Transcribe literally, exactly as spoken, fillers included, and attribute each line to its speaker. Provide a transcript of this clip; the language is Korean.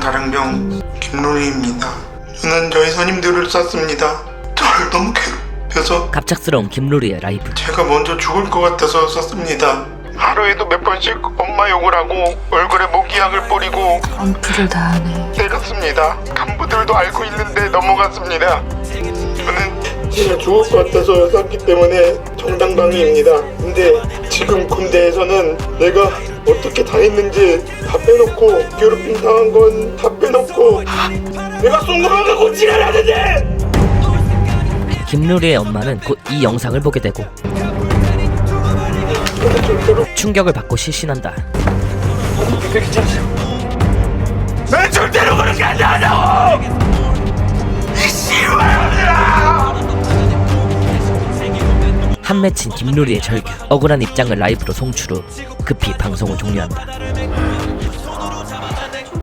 Speaker 1: 다량병 김루리입니다. 저는 저희 선임들을 쐈습니다. 저를 너무 괴롭혀서
Speaker 2: 갑작스러운 김루리의 라이브.
Speaker 1: 제가 먼저 죽을 것 같아서 쐈습니다. 하루에도 몇 번씩 엄마 욕을 하고 얼굴에 모기약을 뿌리고
Speaker 3: 엄프를 다 하네.
Speaker 1: 때렸습니다. 간부들도 알고 있는데 넘어갔습니다. 저는 진짜 죽을 것 같아서 쐈기 때문에 정당방위입니다. 근데 지금 군대에서는 내가 어떻게 다 했는지 다 빼놓고 괴롭힘 당한 건 다 빼놓고 내가 쏜 거만 갖고 지랄하는데!
Speaker 2: 김루리의 엄마는 곧 이 영상을 보게 되고 충격을 받고 실신한다.
Speaker 1: 난 절대로 그렇게 안 한다고! 이 씨발놈들아!
Speaker 2: 한 맺힌 김루리의 절규. 억울한 입장을 라이브로 송출 후 급히 방송을 종료한다.